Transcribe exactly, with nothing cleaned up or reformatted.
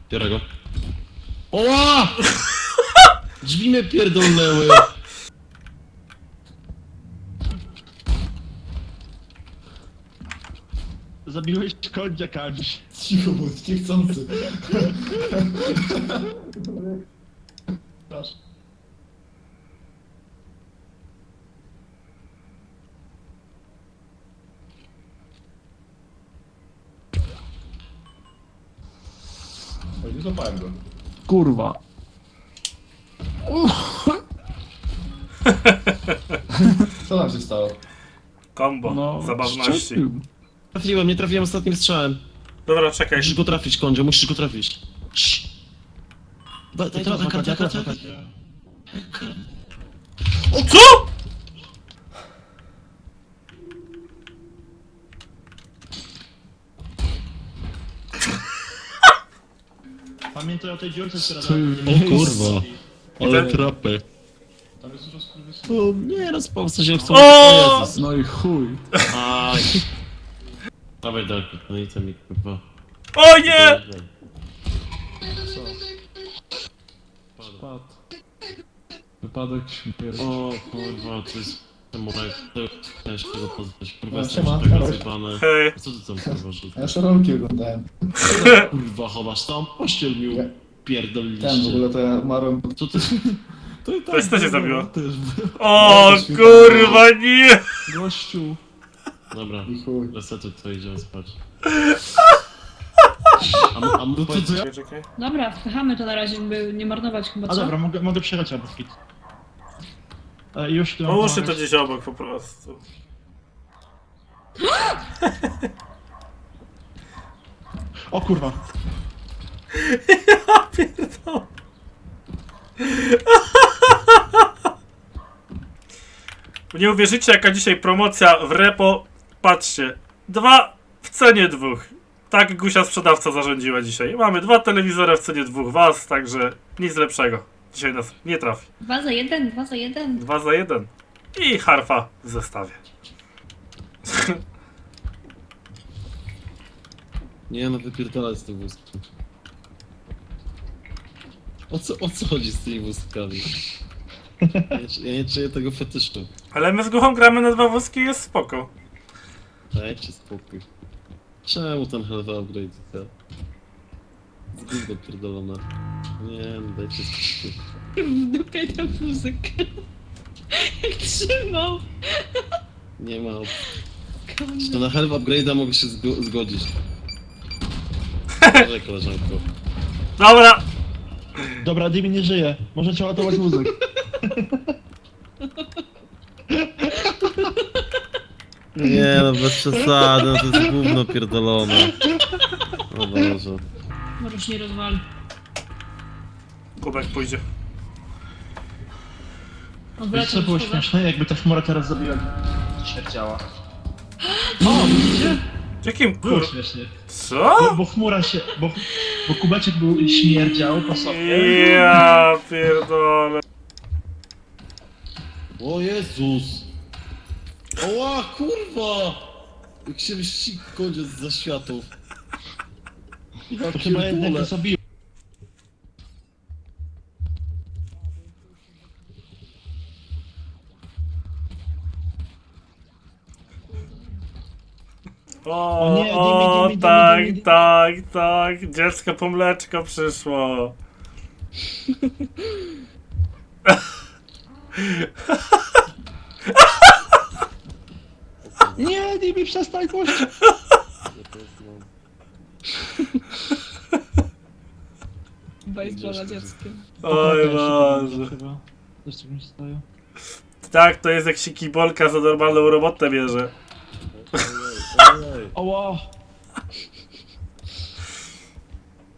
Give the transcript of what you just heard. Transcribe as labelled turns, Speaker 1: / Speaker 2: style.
Speaker 1: Biorę go. Oła! Drzwi mnie pierdolnęły.
Speaker 2: Zabiłeś konia Kamś.
Speaker 3: Cicho, bo jest niechcący. Proszę. Oj, nie złapałem go.
Speaker 2: Kurwa.
Speaker 3: Co tam się stało?
Speaker 4: Kombo,
Speaker 2: No,
Speaker 4: zabawności.
Speaker 2: szczepił.
Speaker 1: Trafiłem, nie trafiłem ostatnim strzałem.
Speaker 4: Dobra, czekaj.
Speaker 1: Musisz go trafić, Kondzio, musisz go trafić. Cii. Daj, daj, daj, daj, daj, daj, daj, daj.
Speaker 4: Co?!
Speaker 2: Pamiętaj o tej dziurce, która
Speaker 1: O
Speaker 2: tam...
Speaker 1: kurwa. Ale
Speaker 4: ten-
Speaker 1: trapy.
Speaker 3: Tam jest dużo skurwysynów.
Speaker 1: O, nie, no spałce się chcą.
Speaker 4: O!
Speaker 1: Jezus.
Speaker 2: No i chuj.
Speaker 1: Aj. Dawaj, dawaj, no i co mi kurwa.
Speaker 4: O nie!
Speaker 2: Spadł. Wypadek śmierci.
Speaker 1: O kurwa, to jest... Samochód, to ciężko go poznać. Kurwa,
Speaker 3: No,
Speaker 1: jestem
Speaker 3: siema,
Speaker 1: tego
Speaker 3: Karol.
Speaker 1: zjebane.
Speaker 4: Hej.
Speaker 1: Co ty tam kurwa rzucasz?
Speaker 3: Ja jeszcze rolki oglądałem.
Speaker 1: Kurwa, chowasz tam? Pościel mi
Speaker 3: Ja-
Speaker 1: pierdoliliście.
Speaker 3: Ten w ogóle to ja umarłem.
Speaker 1: Co ty...
Speaker 2: To i tak.
Speaker 4: To jest- to cię
Speaker 2: było,
Speaker 4: zabiło.
Speaker 2: Też było.
Speaker 4: O
Speaker 3: Ja też
Speaker 4: kurwa nie!
Speaker 2: Gościu.
Speaker 1: Dobra,
Speaker 3: I chuj.
Speaker 1: resetuj to, idziemy spać. A, a, a,
Speaker 2: No to co ja?
Speaker 4: Czekaj, czekaj.
Speaker 5: Dobra, wpychamy to na razie, by nie marnować chyba,
Speaker 2: A
Speaker 5: co?
Speaker 2: dobra, mogę, mogę przyjechać albo skit. E, już tu mam
Speaker 4: Połóżcie to
Speaker 2: pomagać.
Speaker 4: gdzieś obok po prostu.
Speaker 2: O kurwa.
Speaker 4: Ja pierdolę. Nie uwierzycie, jaka dzisiaj promocja w repo. Patrzcie, dwa w cenie dwóch. Tak Gusia sprzedawca zarządziła dzisiaj. Mamy dwa telewizory w cenie dwóch was, także nic lepszego. Dzisiaj nas nie trafi.
Speaker 5: Dwa za jeden, dwa za jeden.
Speaker 4: Dwa za jeden. I harfa w zestawie.
Speaker 1: Nie no, wypierdalaj z tym wózkiem. O co, o co chodzi z tymi wózkami? Ja nie, ja nie czuję tego fetyszu.
Speaker 4: Ale my z Guchą gramy na dwa wózki i jest spoko.
Speaker 1: Dajcie spokój. Czemu ten health upgrade to? Zgubno pierdolone. Nie no, dajcie spokój.
Speaker 5: W dupie tę muzykę. Jak trzymał.
Speaker 1: Nie ma opcji. To na health upgrade'a mogę się zgo zgodzić. Może koleżanko.
Speaker 4: Dobra!
Speaker 2: Dobra, Dimi nie żyje. Może trzeba ładować muzyk.
Speaker 1: Nie no, bez przesady, no to jest gówno pierdolone. O Boże.
Speaker 5: Możesz nie rozwali.
Speaker 4: Kubek pójdzie.
Speaker 2: Wiesz
Speaker 5: Odwracam
Speaker 2: co było
Speaker 5: szkoda.
Speaker 2: śmieszne? Jakby ta chmura teraz zabiła... Śmierdziała. O, widzicie?
Speaker 4: Jakim
Speaker 2: Było
Speaker 4: kur...
Speaker 2: śmiesznie. Bo,
Speaker 4: Co?
Speaker 2: bo chmura się... Bo, bo kubeczek był śmierdział po sobie.
Speaker 4: Ja pierdolę.
Speaker 1: O Jezus! Oła, kurwa! Jak się mści koniec za światów. Ja
Speaker 2: To chyba jednak to zabiło.
Speaker 4: O,
Speaker 2: O nie,
Speaker 4: o
Speaker 2: dymi, dymi,
Speaker 4: tak,
Speaker 2: dymi, dymi.
Speaker 4: tak, tak. Dziecko po mleczko przyszło.
Speaker 2: Nie, Dimi, przestań gość!
Speaker 5: Baseballa dzieckiem.
Speaker 4: Oj Boże.
Speaker 2: Chyba. Coś tak mi się staje.
Speaker 4: Tak, to jest jak się kibolka za normalną robotę bierze.
Speaker 1: Ojej, ojej.
Speaker 2: Oła!